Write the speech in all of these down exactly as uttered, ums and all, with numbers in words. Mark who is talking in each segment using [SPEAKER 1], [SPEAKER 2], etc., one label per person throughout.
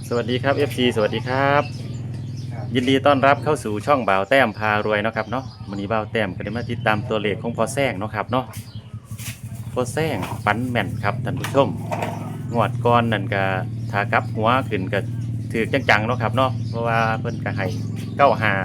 [SPEAKER 1] สวัสดีครับ เอฟ ซี สวัสดีครับยินดีต้อนรับเข้าสู่ช่องบ่าวแต้มพารวยเนาะครับเนาะวันนี้บ่าวแต้มก็ได้มาติดตามตัวเลขของพอแซงเนาะครับเนาะพอแซงฝันแม่นครับท่านผู้ชมงวดก่อนนั่นก็ถ้ากลับหัวขึ้นก็ถือจังๆเนาะครับเนาะเพราะว่าเพิ่นก็ให้เก้าห้า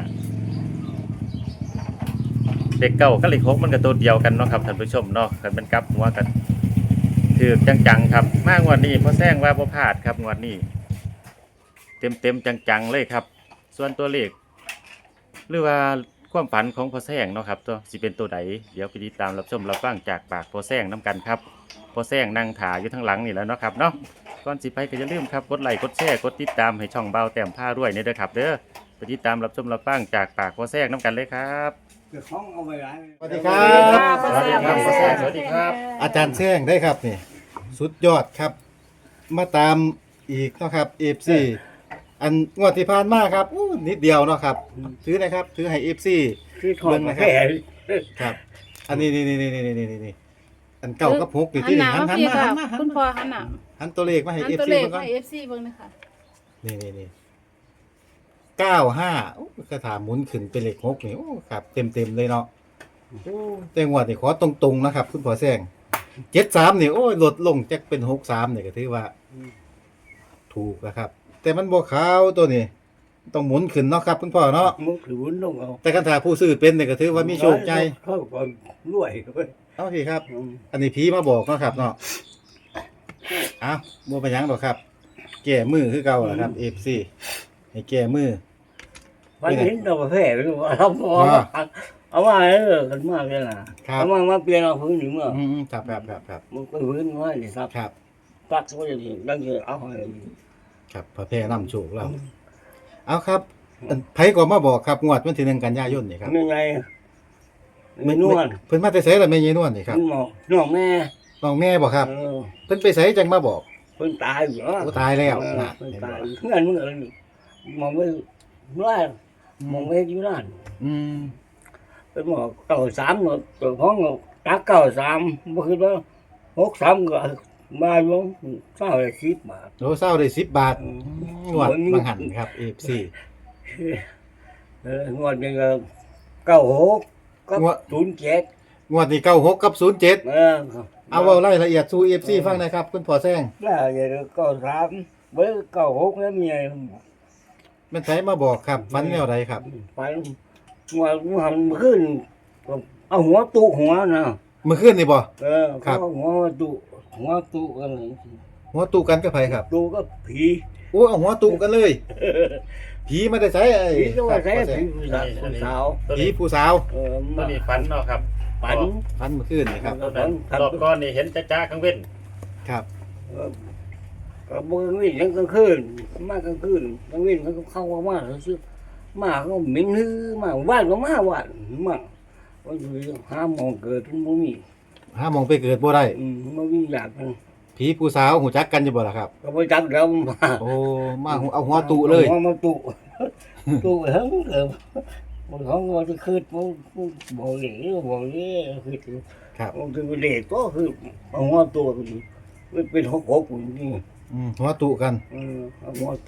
[SPEAKER 1] เลขเก้ากับเลขหกมันก็ตัวเดียวกันเนาะครับท่านผู้ชมเนาะคันมันกลับหัวกันถือจังๆครับมางวดนี้พอแซงว่าบ่พลาดครับงวดนี้เต็มๆจังๆเลยครับส่วนตัวเลขหรือว่าความฝันของพ่อแซงเนาะครับตัวสิเป็นตัวใดเดี๋ยวไปติดตามรับชมรับฟังจากปากพ่อแซงน้กันครับพ่อแซงนั่งถ่ายอยู่ทั้งหลังนี่แหล้วเนาะครับเนาะก่อนสิไปก็อย่าลืมครับกดไลค์กดแชร์กดติดตามให้ช่องเบาแต้มผ้าด้วยนี่เด้อครับเด้อไปติดตามรับชมรับฟังจากปากพ่อแซงน้กันเลยครับ
[SPEAKER 2] สวั
[SPEAKER 3] สวัสดีครับ
[SPEAKER 1] สวัสดีครับพ่อแซงสวัสดีครับ
[SPEAKER 3] อาจารย์แซงได้ครับนี่สุดยอดครับ มาตามอีกเนาะครับ เอฟ ซี อันงวดที่ผ่านมาครับอู้นิดเดียวเนาะครับถือนะครับถือให้ เอฟ ซี
[SPEAKER 2] คือถอดมาแค่
[SPEAKER 3] ครับ อันนี้นี่นี่นี่นี่นี่นี่อันเก่ากับหกนี่
[SPEAKER 4] หั
[SPEAKER 3] ที่
[SPEAKER 4] นห
[SPEAKER 3] นี่
[SPEAKER 4] น้า
[SPEAKER 3] หัน
[SPEAKER 4] มา
[SPEAKER 3] หัน
[SPEAKER 4] พี่
[SPEAKER 3] มา
[SPEAKER 4] ค่ะ
[SPEAKER 3] หันมาหัน
[SPEAKER 4] คุณพ่อหันหน้า
[SPEAKER 3] หันตัวเลขมาให้
[SPEAKER 4] หัน
[SPEAKER 3] เอฟ
[SPEAKER 4] ตัว
[SPEAKER 3] ซี
[SPEAKER 4] เลข
[SPEAKER 3] เบิ่งก่อน
[SPEAKER 4] ให้ เอฟ ซี เบิ่งนะคะ
[SPEAKER 3] นี่นี่นี่เก้าห้าโอ้กระถาหมุนขึ้นเป็นเลขหกนี่โอ้ครับเต็มเต็มเลยเนาะโอ้แต่งวดนี่ขอตรงๆนะครับคุณพ่อแซงเจ็ดสามนี่โอ้ยลดลงจากเป็นหกสามนี่ก็ถือว่า ถูกนะครับ แต่มันบ่ขาวตัวนี้ต้องหมุนขึ้นเนาะครับคุณพ่อเนาะ
[SPEAKER 2] มุกถือวุ้นลงเอา
[SPEAKER 3] แต่คันถ้าผู้ซื้อเป็นเนี่ยก็ถือว่ามีโชคใจ
[SPEAKER 2] เขาก็รวยเว้ย
[SPEAKER 3] เอาสิครับ อันนี้ผีมาบอกเนาะครับเนาะอ้าวบ่เป็นหยังดอกครับ แก้มือคือเก่าล่ะครับ เอฟ ซี ให้แก้มือ
[SPEAKER 2] วันนี้เราแพ้ไปว่าเราพอเอามาเออกันมากเลยนะครับ เอามามาเปลี่ยนเอาพื้นหนึ่งเมื่อ
[SPEAKER 3] อืมๆครับครับครับครับ
[SPEAKER 2] มันก็พื้นว่านี่ครับ
[SPEAKER 3] ครับ
[SPEAKER 2] ตักก็อย่างนี้ดังเยอะเอาให้
[SPEAKER 3] ครับพระแพร่นำโชคเราเอาครับอันไผก็มาบอกครับงวดวันที่หนึ่งกันยายนนี่ครับ
[SPEAKER 2] ไม่ไงไม่นวล
[SPEAKER 3] เพิ่นมาแต่ไสล่ะแม่ยายนวลนี่ครับ
[SPEAKER 2] หมอน้องแม่
[SPEAKER 3] น้องแม่บ่ครับ
[SPEAKER 2] เออ
[SPEAKER 3] เพิ่นไปไสจังมาบอก
[SPEAKER 2] เพิ่นตายอยู่เนาะ
[SPEAKER 3] โอ้ตายแล้ว
[SPEAKER 2] เออ
[SPEAKER 3] น่ะ
[SPEAKER 2] เพิ่น
[SPEAKER 3] เห็น
[SPEAKER 2] ตา
[SPEAKER 3] บ่
[SPEAKER 2] ยเงินมึงอะไรมองไม่ร้ายมองไม่อยู่นั่น
[SPEAKER 3] อืม
[SPEAKER 2] เป็นหมอเก่าสามเนาะตัวพ้องตักเก่าสามบ่คือว่าหกสามก็มาอยู่เศร้าเลยสิบบาท
[SPEAKER 3] โลเศร้าได้สิบบาท
[SPEAKER 2] อืม
[SPEAKER 3] งวดบางหันครับ เอฟ ซี
[SPEAKER 2] เอองวดยังก็เก้าหกก็
[SPEAKER 3] งวด
[SPEAKER 2] ศูนย์เจ็ด
[SPEAKER 3] งวดนี้เก้าหกกับศูนย์เจ็ด
[SPEAKER 2] เออ
[SPEAKER 3] เอาเว้ารายละเอียดสู่ เอฟ ซี ฟังหนะครับ คุณพ่อแซง
[SPEAKER 2] แล้วอย่างเก้าสามเบิ่เก้าหกแล้วมีไง
[SPEAKER 3] มันไผมาบอกครับฟันแนวใดครับ
[SPEAKER 2] ไปงวดหันขึ้นเอาหัวตุหัวนะ
[SPEAKER 3] เมื่อคืนนี่บ่
[SPEAKER 2] เออ
[SPEAKER 3] ครับ
[SPEAKER 2] เอาหัวตุหัวตุกันเลย
[SPEAKER 3] หัวตูกันกับไผครับ
[SPEAKER 2] ตุก็ผี
[SPEAKER 3] โอ้เอาหัวตูกันเลย ผีมาได้ไสไอ้
[SPEAKER 2] ผีก็ว่า
[SPEAKER 3] ค
[SPEAKER 2] ใช้
[SPEAKER 3] รับพ่อแซ
[SPEAKER 2] ผี
[SPEAKER 3] ง
[SPEAKER 2] ผู้สาวผู้สาว
[SPEAKER 3] ผีผู้สาว
[SPEAKER 2] เออ
[SPEAKER 1] ตัว
[SPEAKER 2] มา
[SPEAKER 1] นี้ฝันเนาะครับ
[SPEAKER 2] ปัน
[SPEAKER 3] ฟันเมื่อคืนนี่ครับ
[SPEAKER 1] ตัวนั้นรอบก่อนนี่เห็นจ้าๆข้างเว้น
[SPEAKER 3] ครับ
[SPEAKER 2] เออก็บ่กลางวิ่งทั้งกลางคืนมากลางคืนกลางวิ่งเขาก็เข้ามามาซื้อมาเขาเหม็นฮือมาบ้านก็มาบ้านมาว่าอยู่ห้าโมงเกิดมันบ่มี
[SPEAKER 3] หาหมองไปเกิดบ่ได้
[SPEAKER 2] อืมบ่มีอยากมัน
[SPEAKER 3] ผีผู้สาวหูจักกันอยู่บ่ล่ะครับ
[SPEAKER 2] ก็บ่จักแล้วมา
[SPEAKER 3] โอ้มาเอาหัวตูเลย
[SPEAKER 2] อามาตุตุเฮงเออบ่ของว่าจะคืดบ่บ่เหลวบ่เหลวคือ
[SPEAKER 3] ครับ
[SPEAKER 2] มันคือเหลวก็คือเอาหัวตุมันเป็นหกหกนี่
[SPEAKER 3] อืมหัวตูกัน
[SPEAKER 2] เออเอาหัวตุ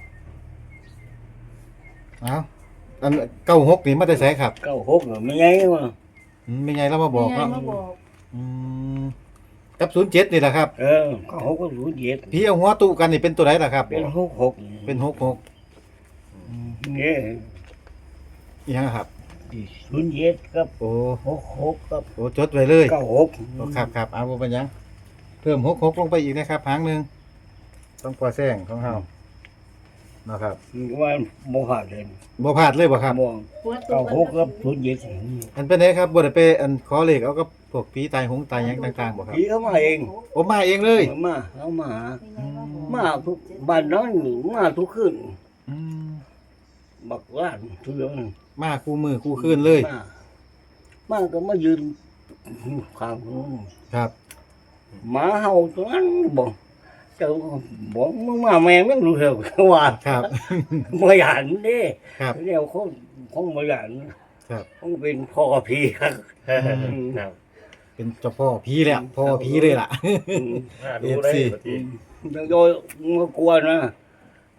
[SPEAKER 3] เอาอันเก้าหกนี่มาได้ไสครับ
[SPEAKER 2] เก้าหกน่ะไม่ไงวะ
[SPEAKER 3] อืมไม่ไงเรามาบอก
[SPEAKER 4] แม่
[SPEAKER 3] เนาะ
[SPEAKER 4] มาบอก
[SPEAKER 3] อืมกับศูนย์เจ็ดนี่แหละครับ
[SPEAKER 2] เออเก้าหกก็รู้เย็ด
[SPEAKER 3] พี่เอาหัวตูกันนี่เป็นตัวไหนล่ะครับ
[SPEAKER 2] เป็นหกหก
[SPEAKER 3] เป็นหกหก
[SPEAKER 2] เนี่ย
[SPEAKER 3] อีหยังครับ
[SPEAKER 2] ศูนย์เย็ดกับ
[SPEAKER 3] โอ้
[SPEAKER 2] หกหกกับ
[SPEAKER 3] โอ้จดไว้เลย
[SPEAKER 2] เก้าหก
[SPEAKER 3] โอ้ครับครับเอาบ่เป็นหยังเพิ่มหกหกลงไปอีกนะครับหางหนึ่งต้องปล่อยแซงของเฮานะครับ
[SPEAKER 2] ว่าโมหะเลย
[SPEAKER 3] บ่พลาดเลยบ่ครับ
[SPEAKER 2] มอง
[SPEAKER 4] หัวตุ
[SPEAKER 2] เก้าหกกับศูนย์เย็ด
[SPEAKER 3] อันเป็นไงครับบ่ได้ไปอันขอเลขเอากับพวกผีตายหงตายหยังต่างๆบ่ครับ
[SPEAKER 2] ผีเขามาเอง
[SPEAKER 3] โอ้มาเองเลย
[SPEAKER 2] มาเขามา
[SPEAKER 3] อืม
[SPEAKER 2] มาทุกบ้านนั้นมาทุกคืน
[SPEAKER 3] อืม
[SPEAKER 2] บักร้านทุกอย่าง
[SPEAKER 3] มาคู่มือคู่คืนเลย
[SPEAKER 2] มามาก็มายืนข้างนู้น
[SPEAKER 3] ครับ
[SPEAKER 2] หมาเห่าตัวนั้นบอกเจ้าบอกมึงมาแม่ไม่รู้เหรอว่า
[SPEAKER 3] ครับ
[SPEAKER 2] มาหยานเด้
[SPEAKER 3] ครับ
[SPEAKER 2] เดี๋ยวเขาเขามาหยาน
[SPEAKER 3] ครับ
[SPEAKER 2] เขาเป็นพ่อพี่ครับ
[SPEAKER 1] ครับ
[SPEAKER 3] เป็นเจ้าพ่อผีเลยอะพ่อผีเลยล่ะ
[SPEAKER 1] ดูได้ปกติ
[SPEAKER 2] โดยมากลัวนะ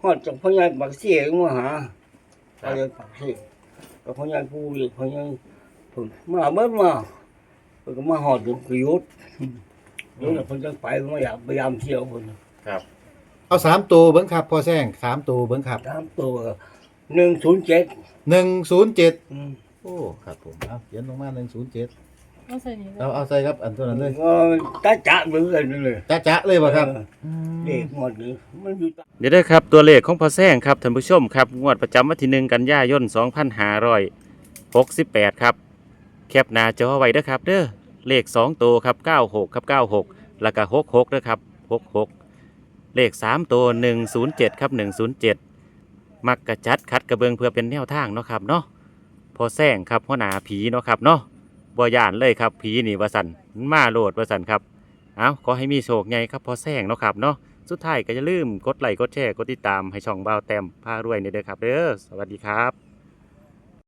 [SPEAKER 2] ฮอดจากพ่อใหญ่ปากเสียมาหาไปเลยปากเสียกับพ่อใหญ่ผู้อีกพ่อใหญ่ผมมาเบิ้มาเพิ่นก็มาฮอดถึงประยุทธ์เดี๋ยวเพิ่นจะไปมาอยากพยายามเที่ยวเพิ่น
[SPEAKER 1] ครับ
[SPEAKER 3] เอาสามตัวเบิ้งครับพอแซงสามตัวเบิ้งครับ
[SPEAKER 2] ตามตัวหนึ่งศูนย์เจ็ด
[SPEAKER 3] หนึ่งศูนย์เจ็ด
[SPEAKER 2] อืม
[SPEAKER 3] โอ้ครับผมเอาเขียนลงมาหนึ่งศูนย์เจ็ด
[SPEAKER 4] เอาใส่นี่เลย
[SPEAKER 3] เอาเอาใส่ครับอันตัวนั้นเลย
[SPEAKER 2] ก็ตาจะเหมือนกันเลย
[SPEAKER 3] จ้าจ้าเลยป่ะครับ
[SPEAKER 2] เออเด็กหมดเลยมันอยู่ตา
[SPEAKER 1] เดี๋ยวได้อครับตัวเลขของพอแซงครับท่านผู้ชมครับงวดประจำวันที่หนึ่งกันยายนสองพันห้าร้อยหกสิบแปดครับแคปหน้าจอไว้เด้อครับเด้อเลขสองตัวครับเก้าหกครับเก้าหกแล้วก็หกหกเด้อครับหกหกเลขสามตัวหนึ่งศูนย์เจ็ดครับหนึ่งศูนย์เจ็ดมักกระจัดคัดกระเบืองเพื่อเป็นแนวทางเนาะครับเนาะพอแซงครับหัวหน้าผีเนาะครับเนาะบ่ย่านเลยครับผีนี่ว่าสันมาโลดว่าสันครับเอาขอให้มีโชคใหญ่ครับพอแซงเนาะครับเนาะ สุดท้ายก็อย่าลืมกดไลค์กดแชร์กดติดตามให้ช่องบ่าวแต้มพารวยนี่เด้อครับเด้อสวัสดีครับ